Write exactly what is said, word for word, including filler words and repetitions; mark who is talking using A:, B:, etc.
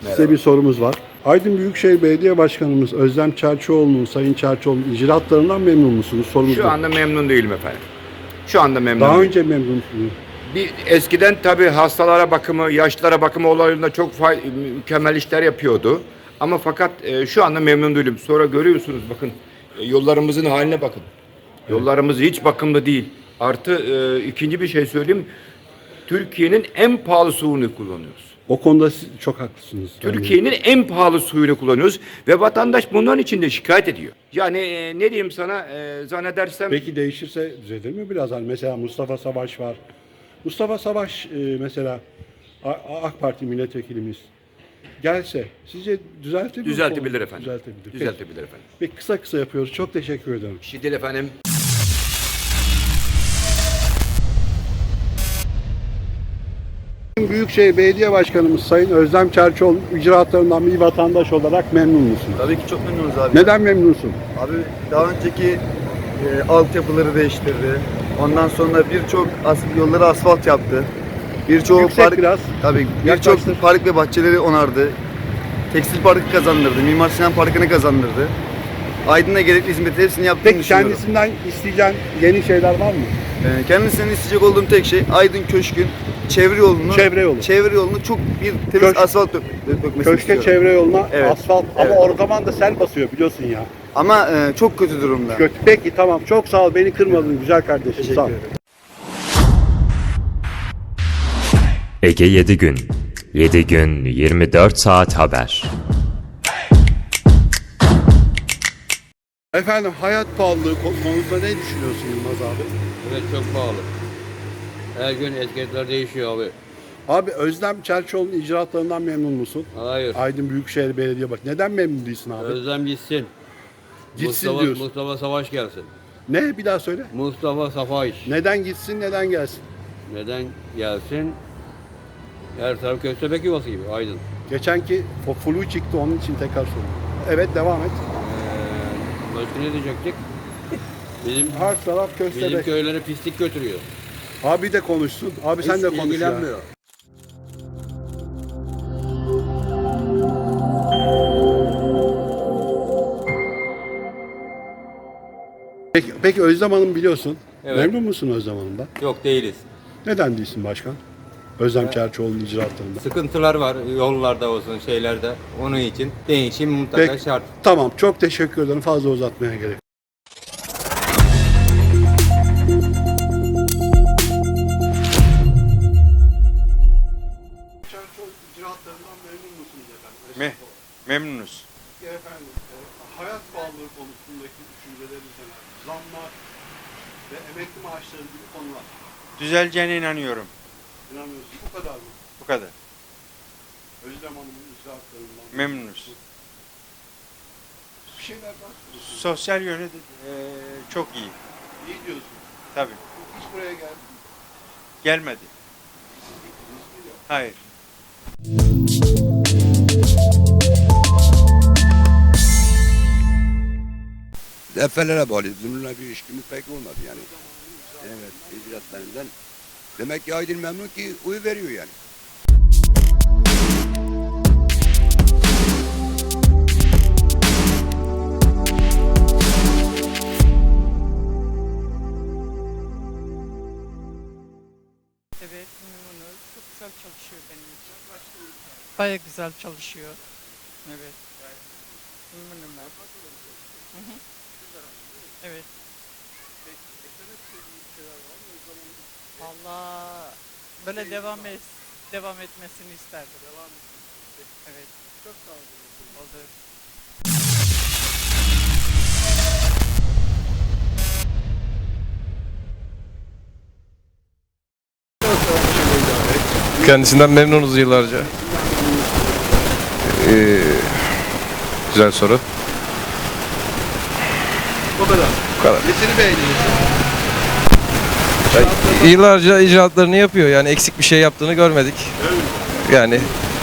A: Size bir sorumuz var. Aydın Büyükşehir Belediye Başkanımız Özlem Çerçioğlu'nun, Sayın Çerçioğlu'nun icraatlarından memnun musunuz? Sorumuz
B: Şu
A: bu.
B: anda memnun değilim efendim. Şu anda memnun
A: Daha
B: değilim.
A: önce memnun musunuz?
B: Bir, eskiden tabii hastalara bakımı, yaşlılara bakımı olayında çok fay, mükemmel işler yapıyordu. Ama fakat e, şu anda memnun değilim. Sonra görüyorsunuz bakın e, yollarımızın haline bakın. Yollarımız hiç bakımlı değil. Artı e, ikinci bir şey söyleyeyim. Türkiye'nin en pahalı suyunu kullanıyoruz.
A: O konuda siz çok haklısınız.
B: Türkiye'nin en pahalı suyunu kullanıyoruz ve vatandaş bunların için de şikayet ediyor. Yani e, ne diyeyim sana e, zannedersem
A: Peki değişirse düzelir mi biraz? Hani mesela Mustafa Savaş var. Mustafa Savaş e, mesela A- A- AK Parti milletvekilimiz gelse sizce düzeltebilir mi?
B: düzeltebilir efendim.
A: Düzeltebilir. Peki.
B: Düzeltebilir efendim.
A: Peki kısa kısa yapıyoruz. Çok teşekkür ederim.
B: Bir şey değil efendim.
A: Büyükşehir Belediye Başkanımız Sayın Özlem Çerçioğlu icraatlarından bir vatandaş olarak memnun musun?
C: Tabii ki çok memnunuz abi.
A: Neden memnunsun?
C: Abi daha önceki e, altyapıları değiştirdi. Ondan sonra birçok as yolları asfalt yaptı. Birçok
A: Yüksek
C: park
A: biraz.
C: tabii
A: Yaklaştır.
C: birçok park ve bahçeleri onardı. Tekstil Parkı kazandırdı. Mimar Sinan Parkı'nı kazandırdı. Aydın'a gerekli hizmeti hepsini yaptığını
A: Peki
C: düşünüyorum.
A: kendisinden isteyeceğin yeni şeyler var mı?
C: E, kendisinden isteyecek olduğum tek şey Aydın Köşk'ün çevre yolunu
A: Çevre yolu.
C: çevre yolunu çok bir temiz
A: Köşk-
C: asfalt dök dökmesini
A: Köşke
C: istiyorum.
A: çevre yoluna
C: Evet.
A: asfalt
C: Evet.
A: ama o zaman da sel basıyor biliyorsun ya.
C: Ama e, çok kötü durumda.
A: Kötü. Peki tamam çok sağ ol beni kırmadın güzel kardeşim.
C: Teşekkür
A: Sağ ol.
C: ederim.
D: Ege yedi gün. yedi gün yirmi dört saat haber.
A: Efendim hayat pahalılığı kon- konusunda ne düşünüyorsun Yılmaz abi?
E: Evet, çok pahalı. Her gün etiketler değişiyor abi.
A: Abi Özlem Çerçioğlu'nun icraatlarından memnun musun?
E: Hayır.
A: Aydın Büyükşehir Belediye bak. Neden memnun değilsin abi?
E: Özlem gitsin.
A: Gitsin
E: Mustafa,
A: diyorsun.
E: Mustafa Savaş gelsin.
A: Ne? Bir daha söyle.
E: Mustafa Savaş.
A: Neden gitsin, neden gelsin?
E: Neden gelsin? Her taraf köstebek yuvası gibi Aydın.
A: Geçenki o flu çıktı onun için tekrar soruyorum. Evet devam et.
E: Ee, başka ne diyecektik? Bizim
A: Her taraf
E: bizim
A: köstebek.
E: köylere pislik götürüyor.
A: Abi de konuşsun. Abi sen
E: Hiç
A: de konuş ya.
E: ilgilenmiyor.
A: Peki, peki Özlem Hanım biliyorsun.
E: Evet.
A: Memnun musun Özlem Hanım'dan?
E: Yok, değiliz.
A: Neden değilsin başkan? Özlem Çerçioğlu'nun icraatlarında.
E: Sıkıntılar var yollarda olsun şeylerde. Onun için değişim mutlaka
A: Peki,
E: şart.
A: tamam çok teşekkür ederim. Fazla uzatmaya gerek yok. Çerçioğlu icraatlarından memnun musunuz efendim?
F: Me memnunuz.
A: Efendim, e, hayat pahalılığı konusundaki düşünceleriniz neler? Zamlar ve emekli maaşları gibi konular.
F: Düzeleceğine inanıyorum.
A: İnanmıyorsun. Bu kadar mı?
F: Bu kadar.
A: Özlem Hanım'ın icraatlarından.
F: Memnunuz.
A: Bir şeyler daha söyleyeyim.
F: Sosyal yönü de, e, çok iyi.
A: İyi diyorsun.
F: Tabii.
A: Hiç buraya geldi.
F: Gelmedi. Hayır.
G: Defelere bağlı. Bununla bir ilişkimiz pek olmadı yani. Evet, icraatlarından. Demek ki Aydın memnun ki oy veriyor yani.
H: Evet, memnunuz. Çok güzel çalışıyor benim için. Bayağı güzel çalışıyor. Evet. Memnunum ben. Hı hı. Evet. Vallahi böyle devam et, devam etmesini isterdim. Devam etmesini. Evet. Çok sağ olun. Olur.
I: Kendisinden memnunuz yıllarca. Ee, güzel soru.
A: O kadar.
I: Bu kadar.
A: Nesini beğeniyorsun?
I: Yani yıllarca icraatlarını yapıyor. Yani eksik bir şey yaptığını görmedik. Yani